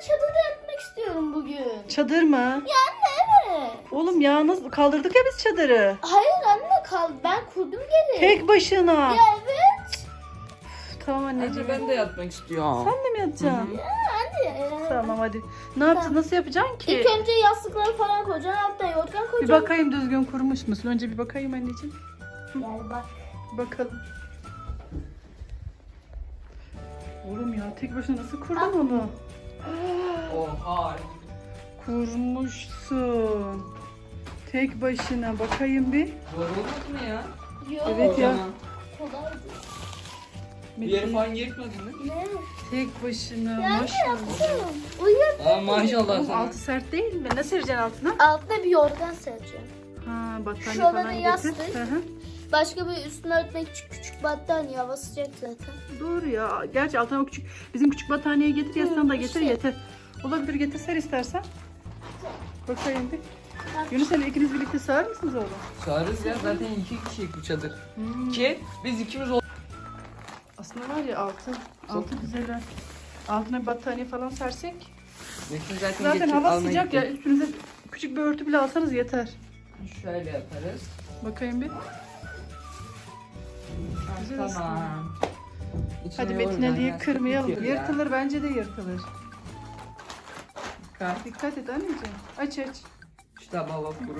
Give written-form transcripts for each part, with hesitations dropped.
çadırda yatmak istiyorum bugün. Çadır mı? Ya anne evet. Oğlum ya nasıl kaldırdık ya biz çadırı. Hayır anne kal. Ben kurdum geri. Tek başına. Ya evet. Tamam anneciğim. Ben de yatmak istiyorum. Sen de mi yatacaksın? Anne. Tamam hadi. Ne yapacağız? Nasıl yapacaksın ki? İlk önce yastıkları falan koyacaksın. Alttan yorgan Bir koyacaksın. bakayım düzgün kurmuş musun? Önce bir bakayım anneciğim. Gel bak. Bakalım. Oğlum ya tek başına nasıl kurdun onu? Oha. Kurmuşsun. Tek başına bakayım bir. Zor olmaz mı ya? Yok. Evet ya. Kolaydı. Bir yeri falan yırtmadın değil mi? Ne? Tek başına Ya anne maşallah. yaptım. Uyuyor. Aa maşallah Oğlum sana. altı sert değil mi? Ne sereceksin altına? Altına bir yorgan sereceğim. Ha battaniye Şurada falan da getir. yastık. Hı hı. Başka bir üstüne örtmek küçük küçük battaniye. Hava sıcak zaten. Doğru ya. Gerçi altına o küçük bizim küçük battaniyeyi getir yastığını da getir işte. yeter. Olabilir getir ser istersen. Bakayım bir. Yunus Emre ikiniz birlikte sığar mısınız oğlum? Çağırırız ya zaten 2 kişilik bu çadır. Hmm. Ki biz ikimiz ol. Aslında var ya altı güzel. ha. Altına bir battaniye falan sersek. Metin zaten, Zaten getir, hava almaya sıcak gitti. ya üstünüze küçük bir örtü bile alsanız yeter. Şöyle yaparız. Bakayım bir. Güzel Tamam. İçine Hadi yorgan, Metin Ali'yi yastık kırmayalım. bitiyor ya. Yırtılır bence de yırtılır. Kalk. Dikkat et anneciğim. Aç aç. İşte baba kuru.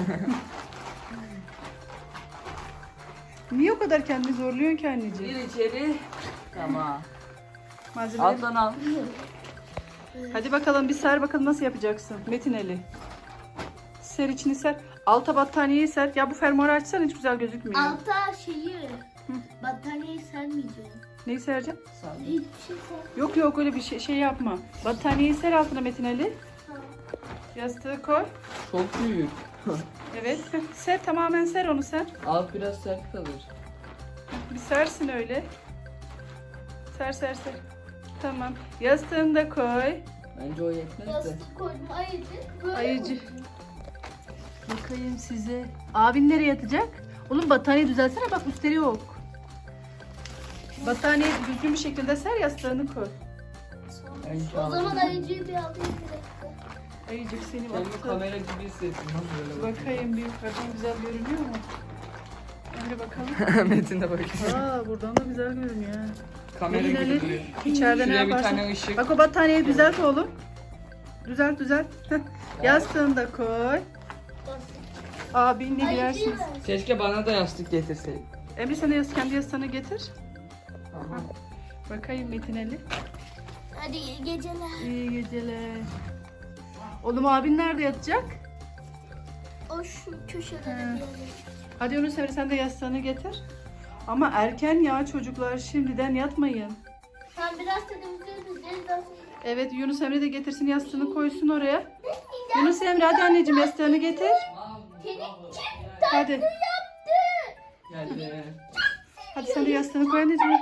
Niye o kadar kendini zorluyorsun ki Gir anneciğim? içeri. Tamam. Malzemeleri... Alttan al. Hadi bakalım bir ser bakalım nasıl yapacaksın Metin Ali. Ser içini ser. Alta battaniyeyi ser. Ya bu fermuarı açsan hiç güzel gözükmüyor. Alta battaniyeyi sermeyeceğim. Neyi sereceğim? Sağ Hiçbir şey ser. Yok yok öyle bir şey yapma. Battaniyeyi ser altına Metin Ali. Yastığı koy. Çok büyük. Evet. Ser tamamen ser onu sen. Alt biraz sert kalır. Bir sersin öyle. Ser ser ser. Tamam. Yastığını da koy. Bence o yetmez de. Yastık koydum ayıcık. Böyle Ayıcık. koydum. Bakayım size. Abin nereye yatacak? Oğlum battaniye düzelsene bak üstleri yok. Battaniye düzgün bir şekilde ser yastığını koy. Bence O zaman aldım. ayıcığı bir alayım bir dakika. Ayıcık seni Kendimi baktı. kamera gibi hissettim. Nasıl böyle Bakayım bir yukarıdan güzel görünüyor mu? Emre bakalım. Metin de bakıyor. Aa buradan da güzel görünüyor. ha. Kamera Metin gibi Ali duruyor. içeride ne Şuraya bir yaparsın? tane ışık. Bak o battaniyeyi düzelt oğlum. Düzelt düzelt. Heh. Yastığını da koy. Abinle Ayıcığı girersiniz. ver. Keşke bana da yastık getirseydin. Emre sen de kendi yastığını getir. Tamam. Bakayım Metin Ali. Hadi iyi geceler. İyi geceler. Oğlum abin nerede yatacak? O şu köşede bir He. yere. Hadi Yunus Emre sen de yastığını getir. Ama erken ya çocuklar şimdiden yatmayın. Sen biraz temizleriz. Evet Yunus Emre de getirsin yastığını koysun oraya. Yunus Emre hadi anneciğim yastığını getir. Senin kim Hadi. yaptı? Geldi. Hadi sen de yastığını koy anneciğim.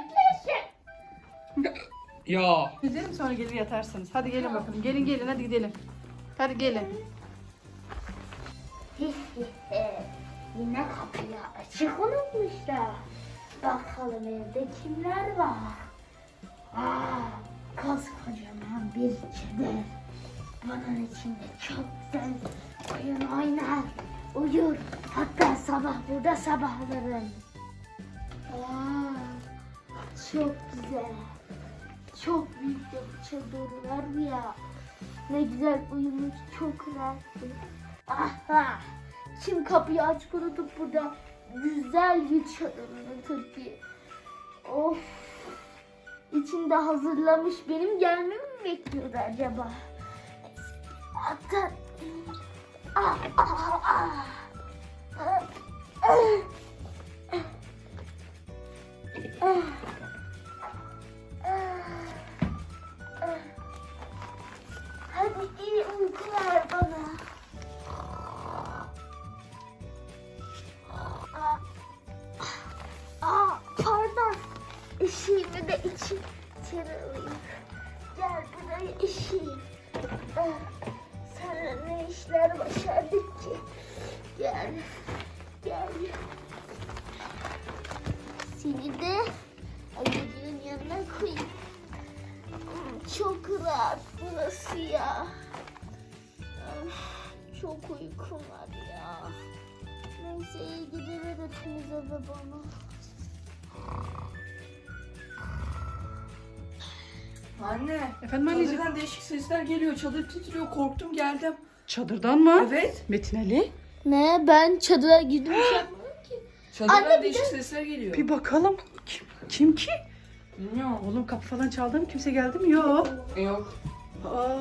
Ya. Gidelim sonra gelir yatarsınız. Hadi gelin bakalım. Gelin gelin hadi gidelim. Hadi gelin. Yine kapıyı açık unutmuşlar. Bakalım evde kimler var? Koskocaman bir çadır. Bunun içinde çok güzel oyun oynar. Uyur. Hatta sabah burada sabahlarım. Çok güzel. Çok büyük de bir çadır var ya. Ne güzel uyumuş, çok rahatsın. Aha! Kim kapıyı açık unutup burada güzel bir çadırını Türkiye. Of! İçinde hazırlamış benim gelmemi mi bekliyordu acaba? Hatta... Ah, ah, ah. Hadi iyi uykular bana. Pardon. Eşiğimi de içeri alayım. Gel buraya eşiğim. Sana ne işler başardık ki? Gel. Gel. Seni de ayıcığın yanına koyayım. Çok rahat burası. nasıl ya? Çok uykum var ya. Neyse iyi geceler hepinize ve bana. Anne. Efendim anneciğim? Çadırdan değişik sesler geliyor. Çadır titriyor. Korktum geldim. Çadırdan mı? Evet. Metin Ali. Ne? Ben çadıra girdim bir şey yapmadım ki. Çadırdan Anne, bir değişik sesler geliyor. Bir bakalım. Kim ki? Bilmiyorum. Oğlum kapı falan çaldı mı? Kimse geldi mi? Yok. Yok. Aa.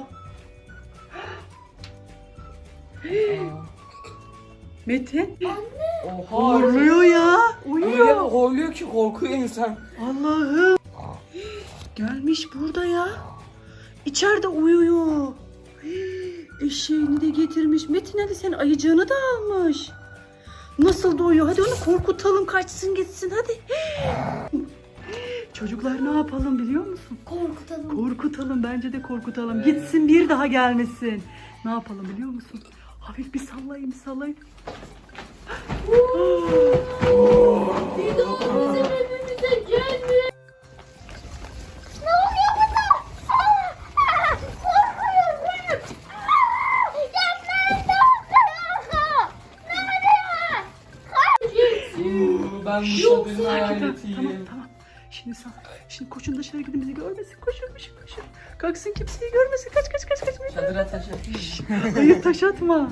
Aa. Metin. Oha. Horluyor ya. Öyle Uyuyor. horluyor ki korkuyor insan. Allah'ım. Gelmiş burada ya. İçeride uyuyor. Eşeğini de getirmiş. Metin Ali senin ayıcığını da almış. Nasıl da uyuyor? Hadi onu korkutalım, kaçsın gitsin hadi. Çocuklar ne yapalım biliyor musun? Korkutalım. Korkutalım, bence de korkutalım. Gitsin, bir daha gelmesin. Ne yapalım biliyor musun? Hafif bir sallayın, bir sallayın. Bir de o bizim evimize gelmiyor. Ne oluyor burada? Korkuyorum. Ben bu çadırın hayaletiyim. Tamam. Şimdi koşun dışarı gidin, bizi görmesin. Koşun. Kalksın, kimseyi görmesin. Kaç. Çadıra taş atmış. Hayır, taş atma.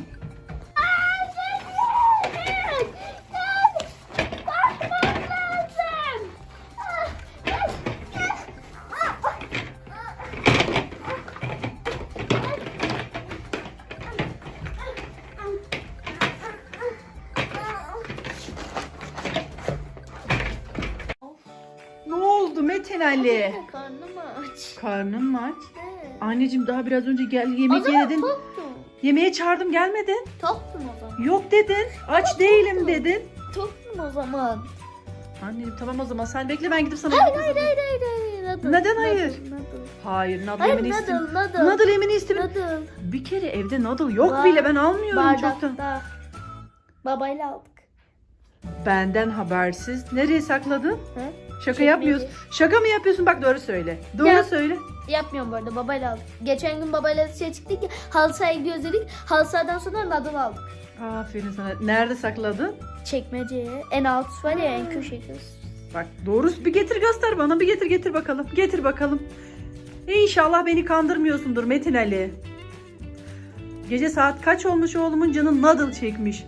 Ne oldu Metin Ali? Karnım aç. Karnın mı aç? Evet. Anneciğim daha biraz önce gel O yemek zaman yedin. toktum. Yemeğe çağırdım, gelmedin. Toktum o zaman. Yok dedin. Aç değilim dedin. Toktum o zaman. Anneciğim tamam o zaman sen bekle, ben gidip sana Hayır. Nadal, Neden hayır? Nadal. Hayır, nadıl Hayır yemini istem. Nadal. Nadıl yemini istem. Nadal. Bir kere evde nadıl yok Var. bile, ben almıyorum çoktan. Bardakta. Babayla aldık. Benden habersiz. Nereye sakladın? Hı? Şaka Çekmece. yapmıyorsun. Şaka mı yapıyorsun? Bak doğru söyle. Doğru Ya. söyle. Yapmıyorum bu arada, babayla aldık. Geçen gün babayla dışarı çıktık ya, halı sahaya gidiyoruz dedik. Halı sahadan sonra Nadal aldık. Aferin sana. Nerede sakladın? Çekmeceye. En alt var ya, en köşe kız. Bak doğrusu bir getir göster bana. Bir getir bakalım. Getir bakalım. İnşallah beni kandırmıyorsundur Metin Ali. Gece saat kaç olmuş, oğlumun canı nadıl çekmiş.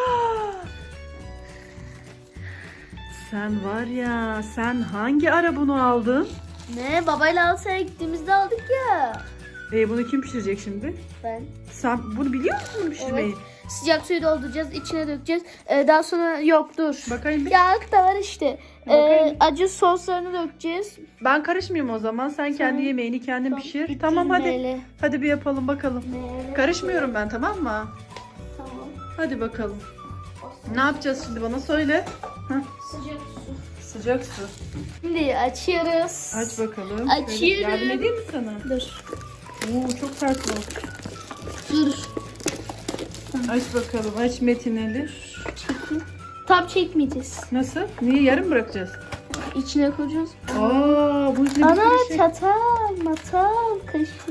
Sen var ya, sen hangi ara bunu aldın? Ne? Babayla halı sahaya gittiğimizde aldık ya. Bunu kim pişirecek şimdi? Ben. Sen bunu biliyor musun bunu pişirmeyi? Evet. Sıcak suyu dolduracağız, içine dökeceğiz. Daha sonra yok dur. Bakayım bir. Yağ da var işte. Bakayım. Acı soslarını dökeceğiz. Ben karışmıyorum o zaman. Sen kendi yemeğini kendin pişir. Tamam hadi. Neyle? Hadi bir yapalım bakalım. Neyle? Karışmıyorum ben, tamam mı? Tamam. Hadi bakalım. Ne yapacağız şimdi, bana söyle. Heh, Sıcak su. sıcak su. Şimdi açıyoruz. Aç bakalım. Açıyorum. Şöyle yardım edeyim mi sana? Dur. Oo, çok sert bu. Dur. Aç bakalım. Aç Metin Ali. Tam çekmeyeceğiz. Nasıl? Niye yarım bırakacağız? İçine koyacağız. Aa, bu ne bir Ana sürü şey. çatal, matal, kaşık.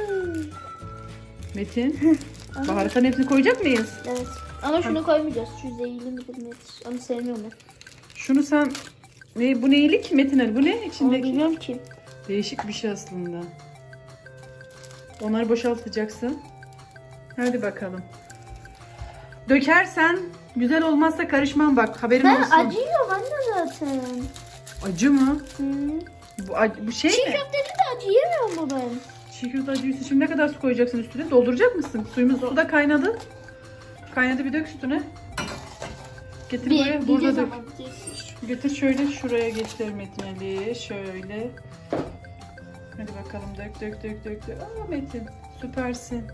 Metin. Baharatların hepsini koyacak mıyız? Evet. Ama şunu koymayacağız. Şu zehirli midir nedir? Onu sevmiyorum ben. Şunu sen... Bu neylik Metin Ali? Bu ne Onu içindeki? bilmiyorum ki. Değişik bir şey aslında. Onları boşaltacaksın. Hadi bakalım. Dökersen güzel olmazsa karışmam bak, haberin Ben olsun. acı yiyorum anne zaten. Acı mı? Hı. Bu şey Çiğ mi? köftede de acı yemiyorum mu ben? Çiğ köfte acıysa şimdi ne kadar su koyacaksın üstüne? Dolduracak mısın? Suyumuz su da kaynadı. Kaynadı, bir dök üstüne. Getir buraya. Burada dök. Getir şöyle, şuraya getir Metin Ali. Şöyle. Hadi bakalım, dök. Aa Metin, süpersin.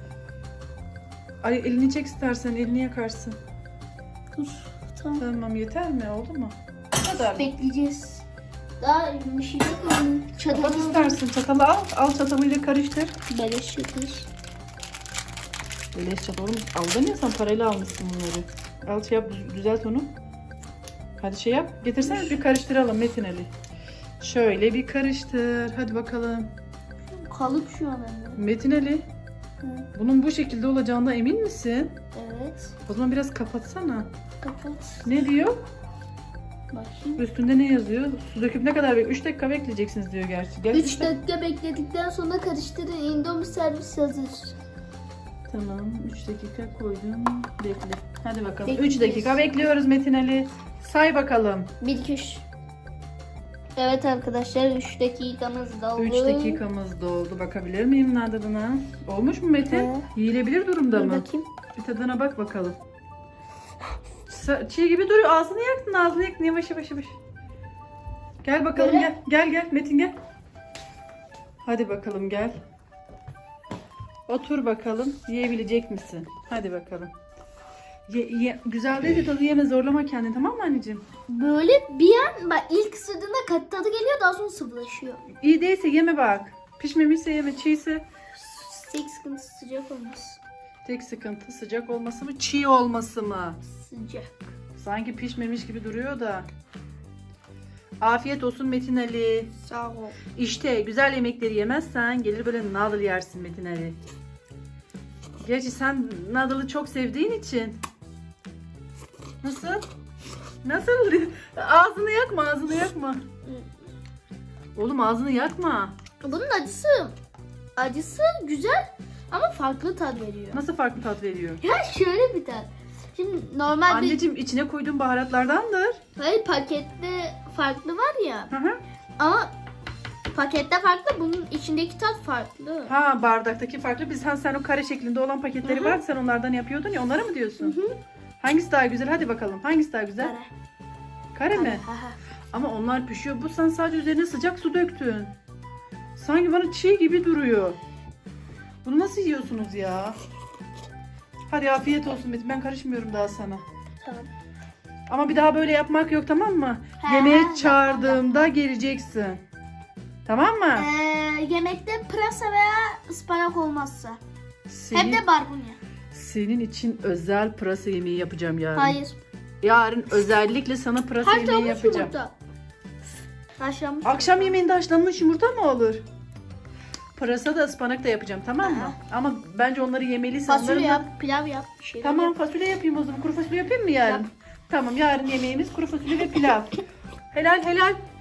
Ay elini çek istersen, elini yakarsın. Dur. Tamam. Tamam, yeter mi? Oldu mu? Bu kadar mı? Bekleyeceğiz. Daha yumuşayacak mı? Kapat Çatalı istersin. Çatalı al. Al çatalıyla karıştır. beleş yapıyor. Beleş çatal oğlum. Aldın ya sen, parayla almışsın bunları. Al şey yap, düzelt onu. Hadi şey yap. Getirsene bir karıştıralım Metin Ali. Şöyle bir karıştır. Hadi bakalım. Kalıp şu an anne. Metin Ali, Hı. bunun bu şekilde olacağına emin misin? Evet. O zaman biraz kapatsana. Kapat. Ne diyor? Bakayım. Üstünde ne yazıyor? Su döküp ne kadar 3 dakika bekleyeceksiniz diyor gerçi. 3 dakika bekledikten sonra karıştırın. Indomie servis hazır. Tamam, 3 dakika koydum. Bekle. Hadi bakalım. Bekliyoruz. 3 dakika bekliyoruz Metin Ali. Say bakalım. 1 2 3. Evet arkadaşlar 3 dakikamız doldu. 3 dakikamız doldu. Bakabilir miyim nadılına? Olmuş mu Metin? He. Yiyilebilir durumda Dur mı? bakayım. Bir tadına bak bakalım. Çiğ gibi duruyor. Ağzını yaktın. Yavaş yavaş yavaş. Gel bakalım Böyle. gel. Metin gel. Hadi bakalım gel. Otur bakalım. Yiyebilecek misin? Hadi bakalım. Güzel değil de tadı yeme, zorlama kendini, tamam mı anneciğim? Böyle bir an bak ilk ısırdığında katı tadı geliyor, daha sonra sıvılaşıyor. İyi değilse yeme bak. Pişmemişse yeme, çiğse. Tek sıkıntısı sıcak olması. Tek sıkıntı sıcak olması mı, çiğ olması mı? Sıcak. Sanki pişmemiş gibi duruyor da. Afiyet olsun Metin Ali. Sağ ol. İşte güzel yemekleri yemezsen gelir böyle nadıl yersin Metin Ali. Gerçi sen nadılı çok sevdiğin için. Nasıl? Nasıl? Ağzını yakma. Oğlum ağzını yakma. Bunun acısı güzel ama farklı tat veriyor. Nasıl farklı tat veriyor? Ya şöyle bir tat. Şimdi normal bir Anneciğim içine koyduğun baharatlardandır. hayır, pakette farklı var ya. Hı hı. Ama pakette farklı, bunun içindeki tat farklı. Ha, bardaktaki farklı. Sen o kare şeklinde olan paketleri Hı hı. vardı, sen onlardan yapıyordun ya, onları mı diyorsun? Hı hı. Hangisi daha güzel? Hadi bakalım. Hangisi daha güzel? Kare. Kare mi? Ha, ha. Ama onlar pişiyor. Bu sen sadece üzerine sıcak su döktün. Sanki bana çiğ gibi duruyor. Bunu nasıl yiyorsunuz ya? Hadi afiyet olsun Metin. Ben karışmıyorum daha sana. Tamam. Ama bir daha böyle yapmak yok, tamam mı? He, Yemeğe yapmam, çağırdığımda geleceksin. Tamam mı? Yemekte pırasa veya ıspanak olmazsa. Senin, Hem de barbunya. senin için özel pırasa yemeği yapacağım yarın. Hayır. Yarın özellikle sana pırasa yemeği Haşlanmış yapacağım. yumurta. Haşlanmış. Akşam yemeğinde haşlanmış yumurta mı olur? Pırasa da ıspanak da yapacağım, tamam mı? Aha. Ama bence onları yemeliysen Fasulye onların da- yap, pilav yap. Bir şeyler Tamam, yap. fasulye yapayım o zaman. Kuru fasulye yapayım mı yarın? Yap. Tamam, yarın yemeğimiz kuru fasulye ve pilav. Helal.